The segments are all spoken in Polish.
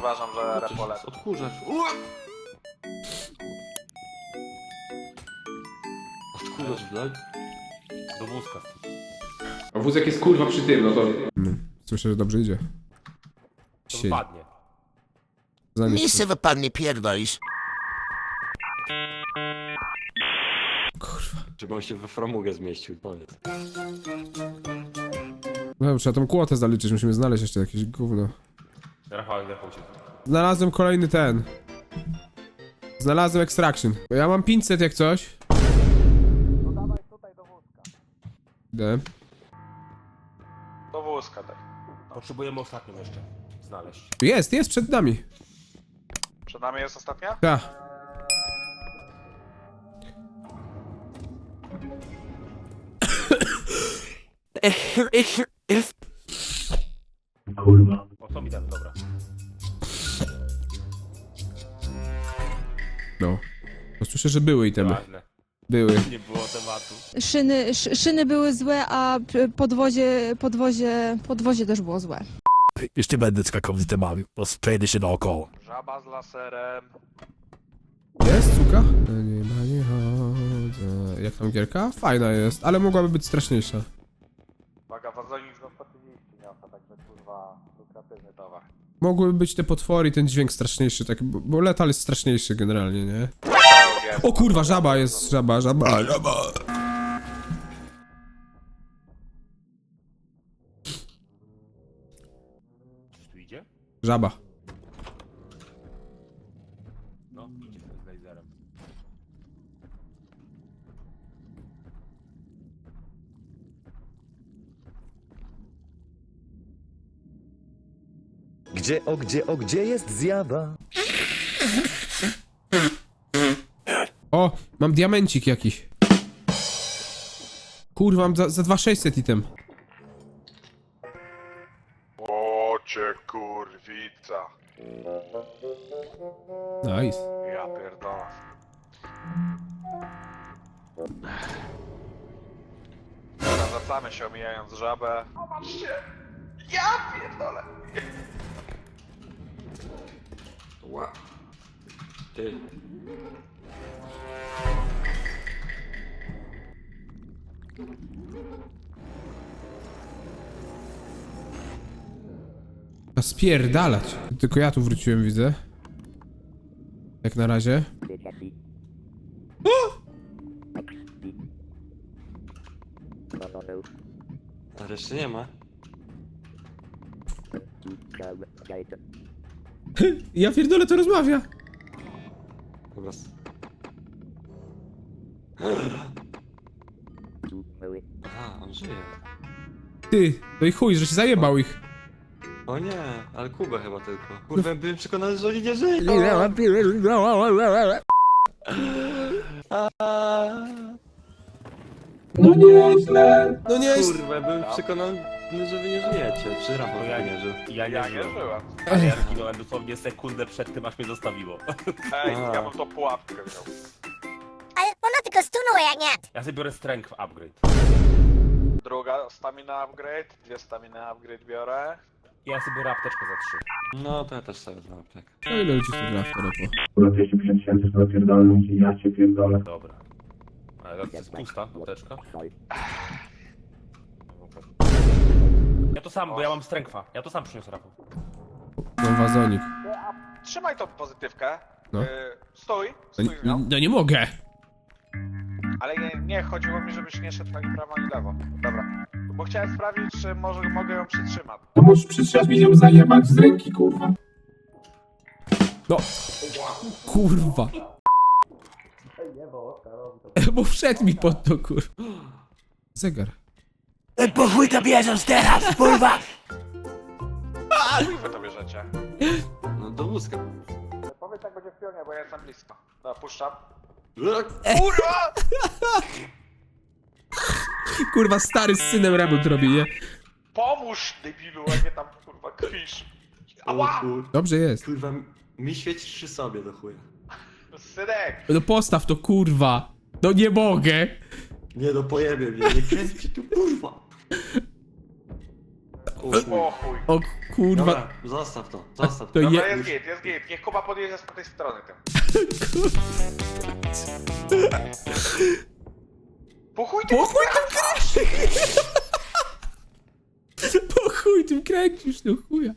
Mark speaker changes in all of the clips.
Speaker 1: uważam, że repolec.
Speaker 2: Odkurzacz. Odkurzacz wlać. Do wózka.
Speaker 3: A wózek jest kurwa przy tym, no to...
Speaker 4: Słyszę, że dobrze idzie.
Speaker 2: To
Speaker 4: Siedzi.
Speaker 2: wypadnie.
Speaker 4: Zanieś
Speaker 5: Miejsce wy pan nie pierdolisz.
Speaker 4: kurwa.
Speaker 2: Żeby on się we framugę zmieścił, powiedz.
Speaker 4: No, trzeba tą kłotę zaliczyć, musimy znaleźć jeszcze jakieś gówno.
Speaker 2: Rafał, się.
Speaker 4: Znalazłem kolejny ten. Znalazłem extraction. Bo ja mam 500 jak coś.
Speaker 1: No dawaj tutaj do wózka.
Speaker 4: Idę.
Speaker 1: Do wózka daj.
Speaker 2: Potrzebujemy ostatnią jeszcze znaleźć.
Speaker 4: Jest przed nami.
Speaker 1: Przed nami jest ostatnia?
Speaker 4: Ta.
Speaker 2: O, co mi damy, dobra.
Speaker 4: No. Bo słyszę, że były itemy.
Speaker 2: Ważne.
Speaker 4: Były.
Speaker 2: Nie było tematu.
Speaker 6: Szyny były złe, a podwozie też było złe.
Speaker 7: Już nie będę skakał z temami, bo przejdę się naokoło.
Speaker 1: Żaba z laserem.
Speaker 4: Jest, suka? Nie ma, nie chodzę. Jak tam gierka? Fajna jest, ale mogłaby być straszniejsza.
Speaker 1: Uwaga, wazonik za 130 niosła, także kurwa lukratywny towar.
Speaker 4: Mogłyby być te potwory i ten dźwięk straszniejszy, tak, bo letal jest straszniejszy generalnie, nie? O kurwa, żaba jest, żaba.
Speaker 2: Czy tu idzie?
Speaker 4: Żaba.
Speaker 2: No, idzie z laserem.
Speaker 8: Gdzie jest zjawa?
Speaker 4: O, mam diamencik jakiś. Kurwa, mam za 2600 item.
Speaker 1: O cię kurwica.
Speaker 4: Nice.
Speaker 1: Ja pierdolę. Dobra, wracamy się omijając żabę. O, patrzcie! Ja pierdolę!
Speaker 2: Ła. Ty.
Speaker 4: A spierdalać. Tylko ja tu wróciłem, widzę. Jak na razie.
Speaker 2: Ale jeszcze nie ma.
Speaker 4: Ja pierdolę, to rozmawia.
Speaker 2: Dobra. Aha, on żyje.
Speaker 4: Ty, no i chuj, że się zajebał ich.
Speaker 2: O nie, ale Kubę chyba tylko. Kurwa, byłem przekonany, że oni nie żyją.
Speaker 3: No nieźle.
Speaker 4: No nie,
Speaker 2: Kurwa, byłem przekonany, że wy nie żyjecie. Czy Rafał ja nie żył? Ja
Speaker 1: Ja nie żyłem.
Speaker 2: Ale ja zginąłem dosłownie sekundę przed tym, aż mnie zostawiło.
Speaker 1: Ej,
Speaker 2: A.
Speaker 1: ja bym to pułapkę wziął.
Speaker 5: Ale ona tylko stunuje, jak nie?
Speaker 2: Ja sobie biorę strength upgrade.
Speaker 1: Druga stamina upgrade, dwie stamina upgrade biorę.
Speaker 2: I ja sobie biorę apteczkę za 3. No, to ja też sobie wezmę aptekę.
Speaker 4: No ile ludzi tu gra w to repo?
Speaker 3: Kurwa 250 tysięcy to napierdolę, ja cię pierdolę.
Speaker 2: Dobra. Ale to jest pusta apteczka. Ja to sam, bo ja mam strengtha. Ja to sam przyniosę, Rafał.
Speaker 4: Mam wazonik.
Speaker 1: Trzymaj tą pozytywkę.
Speaker 4: No.
Speaker 1: Stój,
Speaker 4: No,
Speaker 1: stój z nią.
Speaker 4: no nie mogę.
Speaker 1: Ale nie, chodziło mi, żebyś nie szedł ani prawo, ani lewo. Dobra. Bo chciałem sprawdzić, czy może mogę ją przytrzymać.
Speaker 3: To możesz przytrzymać mi ją zajebać z ręki, kurwa.
Speaker 4: No. Kurwa. Bo wszedł mi pod to, kurwa. Zegar.
Speaker 7: Po chuj to bierzesz teraz, kurwa!
Speaker 1: Jak wy to bierzecie?
Speaker 2: No do wózka.
Speaker 1: Powiedz jak będzie w pionie, bo ja jestem blisko. Dobra, puszczam.
Speaker 4: Kurwa! Kurwa, stary z synem remont robi, nie?
Speaker 1: Pomóż, debilu, a nie tam, kurwa, krwisz. Ała!
Speaker 4: Dobrze jest.
Speaker 2: Kurwa, mi świecisz przy sobie do chuja.
Speaker 1: Synek!
Speaker 4: No postaw to, kurwa. No nie mogę.
Speaker 2: Nie no, pojebie mnie, nie kręci tu, kurwa.
Speaker 1: O chuj.
Speaker 4: O kurwa.
Speaker 2: Dobra, zostaw to, zostaw
Speaker 4: To
Speaker 2: to.
Speaker 1: Dobra,
Speaker 4: je...
Speaker 1: jest git, jest git. Niech Kuba podjedzie z tej strony tym. Po chuj ty
Speaker 4: Po chuj tym kręcisz! Po chuj tym kręcisz, no chuja.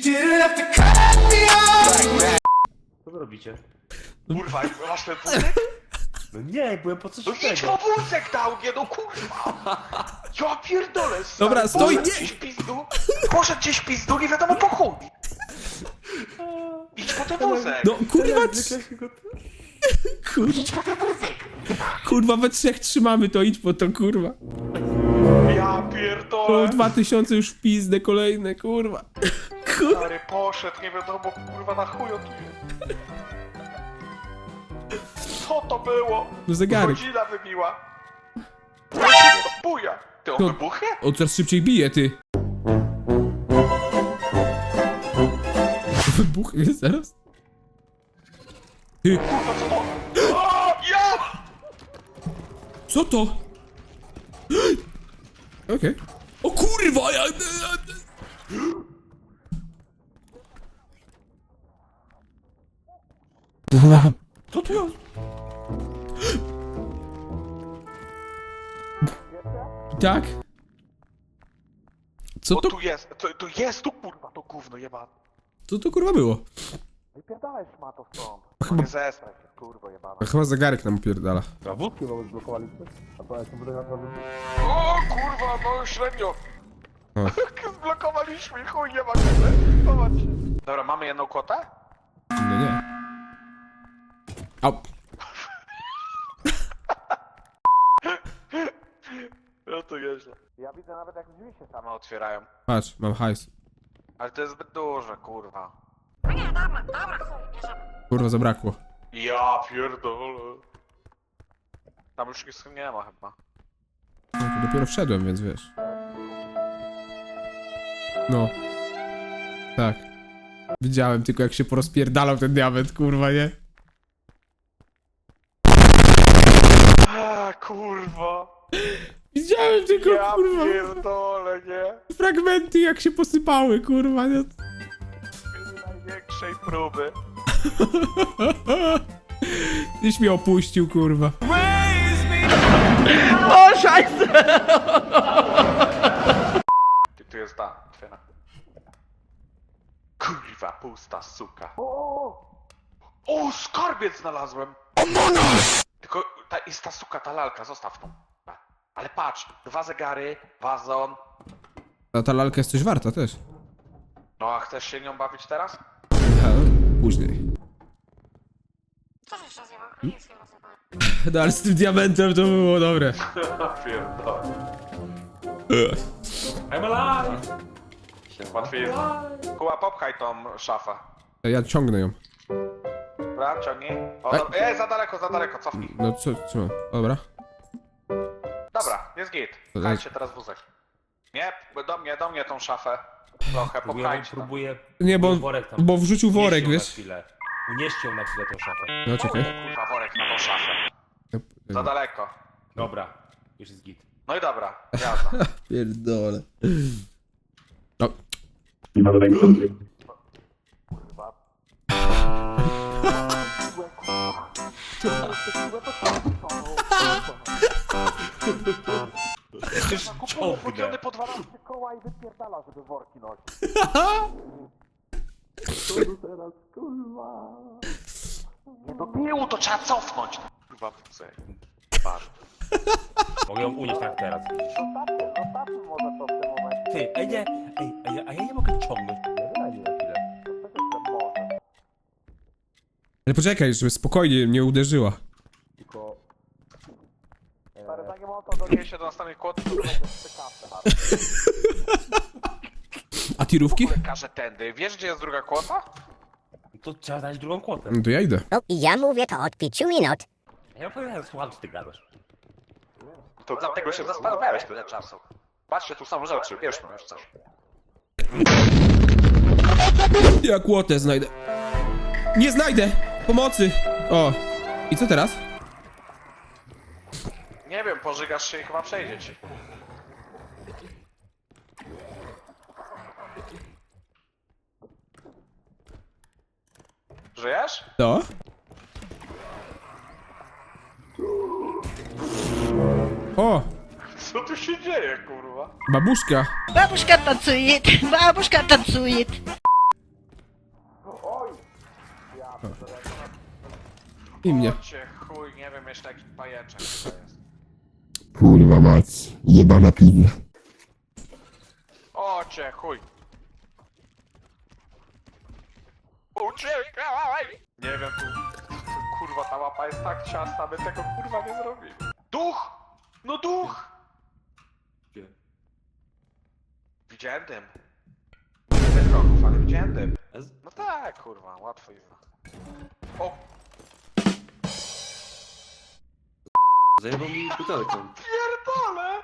Speaker 8: Co wy robicie?
Speaker 1: Kurwa, masz ten wózek?
Speaker 8: No nie, byłem po coś
Speaker 1: No idź po wózek dałgie, no kurwa! Ja pierdolę, stary.
Speaker 4: Dobra, stój,
Speaker 1: Poszedł
Speaker 4: nie!
Speaker 1: gdzieś w pizdu, poszedł gdzieś w pizdu, nie wiadomo po chuj. Idź po ten wózek.
Speaker 4: No kurwa, kurwa. Kurwa, we trzech trzymamy to, idź po to, kurwa.
Speaker 1: Ja
Speaker 4: O,
Speaker 1: pierdolę.
Speaker 4: 2000 już w pizdę kolejne, kurwa. Kurwa.
Speaker 1: Stary poszedł, nie wiadomo kurwa na chuj on tu jest. Co to było?
Speaker 4: No zegarek.
Speaker 1: Godzina wybiła. Buja. Ty on
Speaker 4: No.
Speaker 1: wybuchnie?
Speaker 4: O, coraz szybciej bije, ty. Wybuchnie zaraz. Ty,
Speaker 1: Kurwa, co to? O, ja!
Speaker 4: co to? Okej. O kurwa, ja...
Speaker 8: Co tu jest?
Speaker 4: Tak? Co
Speaker 1: O,
Speaker 4: to,
Speaker 1: tu jest, tu jest, tu kurwa, to gówno jebane.
Speaker 4: co to kurwa było?
Speaker 1: Wypierdalaj szmato stąd. Chyba... Nie zestraj się, kurwa jebana.
Speaker 4: Chyba zegarek nam pierdala.
Speaker 8: A wódki nawet zblokowaliśmy? A to ja się będę naprawdę...
Speaker 1: O kurwa, no średnio.
Speaker 4: O.
Speaker 1: Zblokowaliśmy i chuj nie ma kiedy. Zobacz. Dobra, mamy jedną kłotę?
Speaker 4: No nie. Au.
Speaker 1: No to nieźle. Ja widzę nawet jak drzwi się same otwierają.
Speaker 4: Patrz, mam hajs.
Speaker 1: Ale to jest zbyt duże, kurwa.
Speaker 4: Kurwa, zabrakło.
Speaker 1: Ja pierdolę. Tam już nic nie ma chyba.
Speaker 4: No, tu dopiero wszedłem, więc wiesz. No. Tak. Widziałem tylko jak się porozpierdalał ten diament, kurwa, nie?
Speaker 1: A kurwa.
Speaker 4: Widziałem tylko,
Speaker 1: Ja
Speaker 4: kurwa,
Speaker 1: pierdolę, nie?
Speaker 4: fragmenty jak się posypały, kurwa, nie?
Speaker 1: Z największej próby.
Speaker 4: Tyś mnie opuścił, kurwa.
Speaker 1: Tu jest ta, otwiera. Kurwa, pusta suka. O, skarbiec znalazłem! Tylko jest ta suka, ta lalka, zostaw tą. Ale patrz, 2 zegary, wazon.
Speaker 4: A ta lalka jest coś warta też.
Speaker 1: No a chcesz się nią bawić teraz?
Speaker 4: Ha, później. No ale z tym diamentem to było dobre.
Speaker 1: Pierdolę.
Speaker 8: I'm alive!
Speaker 1: Łatwiej jest. Kuba, popchaj tą szafę.
Speaker 4: Ja ciągnę ją.
Speaker 1: Dobra, ciągnij. O, za daleko, cofnij.
Speaker 4: No co? Dobra.
Speaker 1: Dobra, jest git.
Speaker 4: To
Speaker 1: Pchajcie teraz wózek. Nie, do mnie tą szafę. Trochę, popchajcie tam.
Speaker 8: Próbuję...
Speaker 4: Nie, bo wrzucił worek,
Speaker 8: Unieść ją na
Speaker 4: wiesz?
Speaker 8: chwilę. Unieść ją na chwilę tą szafę.
Speaker 4: No czekaj.
Speaker 1: Kurwa, worek na tą szafę. Za daleko.
Speaker 8: Dobra, już jest git.
Speaker 1: No i dobra, jazda.
Speaker 4: Pierdole. No.
Speaker 3: Nie ma żadnego sensu.
Speaker 1: Wchodzony po 12 koła i wypierdala, żeby worki nosić. Nie do tyłu, to trzeba cofnąć. Kurwa, wózek. Patrz.
Speaker 8: Mogę ją unieść tak teraz.
Speaker 1: Zostawmy może to w tym momencie.
Speaker 8: Ty, nie, a ja nie mogę ciągnąć. Daj mi na chwilę.
Speaker 4: Ale poczekaj, żeby spokojnie mnie uderzyła.
Speaker 8: Tylko...
Speaker 1: Stary, zanim on to doniesie do następnej kłoty, to będzie ciekawsze.
Speaker 4: A tirówki?
Speaker 1: Każe tędy. Wiesz, gdzie jest druga kłota?
Speaker 8: To trzeba dać drugą kłotę.
Speaker 4: No to ja idę.
Speaker 5: No i ja mówię to od 5 minut.
Speaker 8: Ja opowiadam, słucham, co ty gadasz.
Speaker 1: To dlatego się zastanawiałeś tyle czasu. Patrzcie, tu są rzeczy, wiesz, no już coś.
Speaker 4: Ja kłotę znajdę. Nie znajdę! Pomocy! O. I co teraz?
Speaker 1: Nie wiem, pożygasz się i chyba przejdzie ci. Żyjesz?
Speaker 4: No? O!
Speaker 1: Co tu się dzieje, kurwa?
Speaker 4: Babuszka!
Speaker 5: Babuszka tancuje, babuszka tancuje.
Speaker 4: I mnie.
Speaker 1: Cię chuj, nie wiem jeszcze jaki pajęczek to jest.
Speaker 3: Kurwa mać, jebana pizza.
Speaker 1: O cię chuj. Uciekaj! Nie wiem, kurwa ta łapa jest tak ciasna, my tego kurwa nie zrobimy. Duch! No duch!
Speaker 2: Gdzie?
Speaker 1: Widziałem dym. Nie wiem kroków, ale widziałem dym.
Speaker 2: Ez?
Speaker 1: No tak, kurwa, łatwo jest. O,
Speaker 2: Zajebał mi butelką.
Speaker 1: pierdolę!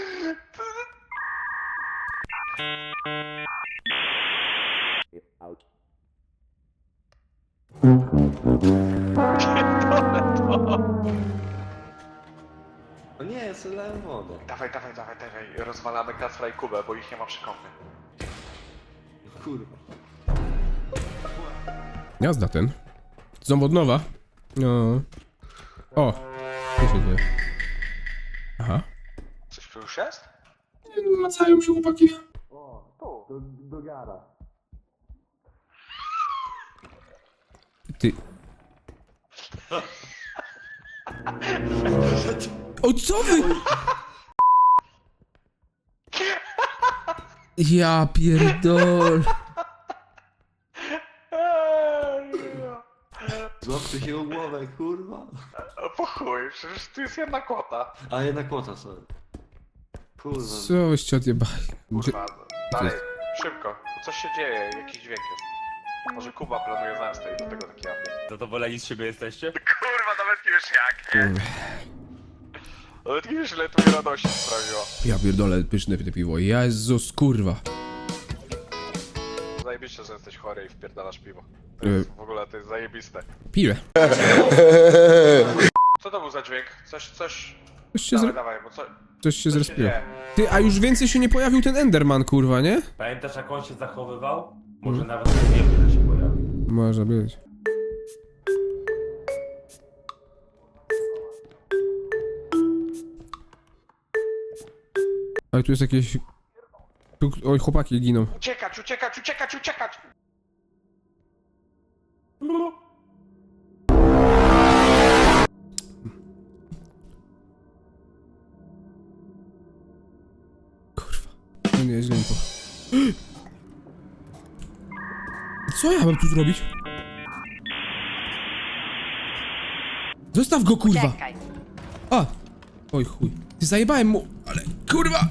Speaker 2: No nie, ja sobie dałem wodę.
Speaker 1: Dawaj, rozwalamy Kacpra i Kubę, bo ich nie ma przy kąpie.
Speaker 2: Kurwa.
Speaker 4: Jazda ten. Ząb od nowa. No. O! Co się dzieje? Aha.
Speaker 1: Coś tu już jest?
Speaker 4: Macają się chłopaki. Ty. O co wy? Ja pierdol.
Speaker 2: Złapcie się o głowę, kurwa.
Speaker 1: O, po chuj, przecież tu jest jedna kłota.
Speaker 2: A jednak kłota sobie. Kurwa.
Speaker 4: Co wyście odjebali?
Speaker 1: Kurwa, dalej, szybko. Coś się dzieje, jakiś dźwięk jest. Może Kuba planuje zemstę i do tego taki apel.
Speaker 8: Zadowoleni z siebie jesteście?
Speaker 1: Kurwa, nawet nie wiesz jak. Nawet nie wiesz ile to mi radości sprawiło.
Speaker 4: Ja pierdolę, pyszne te piwo. Jezus, kurwa.
Speaker 1: Zajebiście, że jesteś chory i wpierdalasz piwo. To jest, w ogóle to jest zajebiste.
Speaker 4: Piję.
Speaker 1: Co to był za dźwięk? Coś...
Speaker 4: Coś się,
Speaker 1: Dawaj, bo co...
Speaker 4: coś się
Speaker 1: Co się
Speaker 4: zrespiło.
Speaker 1: dzieje?
Speaker 4: Ty, a już więcej się nie pojawił ten Enderman, kurwa, nie?
Speaker 8: Pamiętasz jak on się zachowywał? Może nawet nie wiem, że się pojawił.
Speaker 4: Może być. Ale tu jest jakieś... Tu... Oj, chłopaki giną.
Speaker 1: Uciekać!
Speaker 4: Kurwa. No nie, źle mi po... Co ja mam tu zrobić? Zostaw go, kurwa! A! Oj chuj. Ty zajebałem mu, ale kurwa!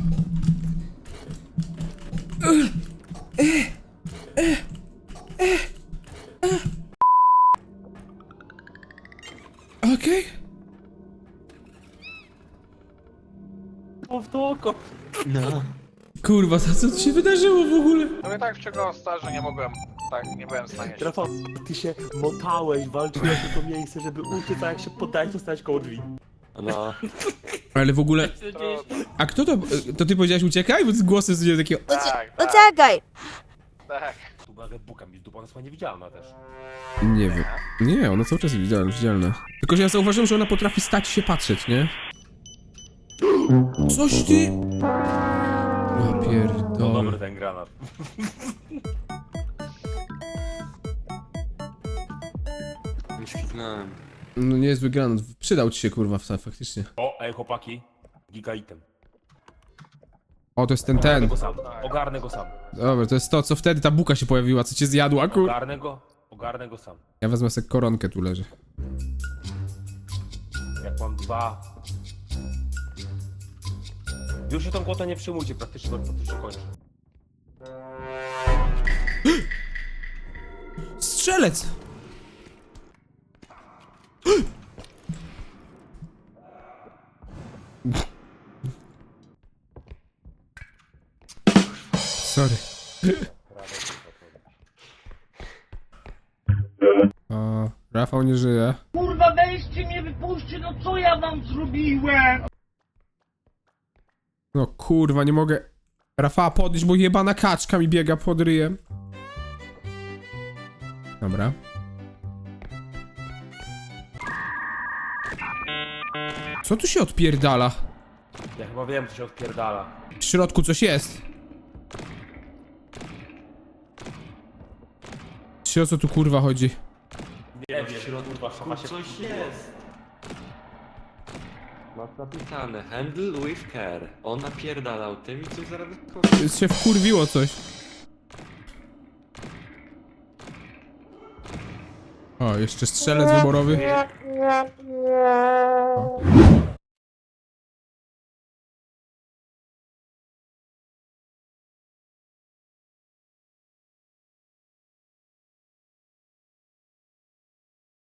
Speaker 4: Okej.
Speaker 8: O, w to oko.
Speaker 2: No.
Speaker 4: Kurwa, co tu się wydarzyło w ogóle?
Speaker 1: No i tak wciągnął star, że nie mogłem... Tak, nie byłem w stanie się...
Speaker 8: Rafał, ty się motałeś, walczyłeś o to miejsce, żeby uciec, a jak się poddałeś, to stałeś koło drzwi.
Speaker 2: No.
Speaker 4: Ale w ogóle... A kto to... To ty powiedziałeś uciekaj? Bo głosy są takiego...
Speaker 1: Tak.
Speaker 5: Uciekaj!
Speaker 8: Tu była Red Booka, mi dupa, ona jest niewidzialna też.
Speaker 4: Nie wiem. Nie, ona cały czas jest widzialna. Tylko, że ja zauważyłem, że ona potrafi stać się patrzeć, nie? Coś ty... Ja
Speaker 8: No
Speaker 4: pierdolę.
Speaker 8: dobry ten granat.
Speaker 2: Już kliknąłem.
Speaker 4: No niezły granat. Przydał ci się, kurwa, faktycznie.
Speaker 8: O, ej chłopaki. Giga item.
Speaker 4: O, to jest ten.
Speaker 8: Ogarnę go sam.
Speaker 4: Dobra, to jest to, co wtedy ta buka się pojawiła, co cię zjadła, kur...
Speaker 8: Ogarnę go sam.
Speaker 4: Ja wezmę sobie koronkę, tu leży.
Speaker 8: Jak mam dwa... Już się tą kłotę nie przyjmujcie, praktycznie to się kończy.
Speaker 4: Strzelec! Sorry. O, Rafał nie żyje.
Speaker 9: Kurwa, weźcie mnie, wypuśćcie, no co ja wam zrobiłem?
Speaker 4: No kurwa, nie mogę Rafała podnieść, bo jebana kaczka mi biega pod ryjem. Dobra. Co tu się odpierdala?
Speaker 8: Ja chyba wiem, co się odpierdala.
Speaker 4: W środku coś jest. O co tu kurwa chodzi?
Speaker 8: Nie wiem, kurwa, szafa się...
Speaker 2: Coś jest. Masz napisane, handle with care. On napierdalał tym i coś zaraz wyskoczy.
Speaker 4: Się wkurwiło coś. O, jeszcze strzelec wyborowy. O,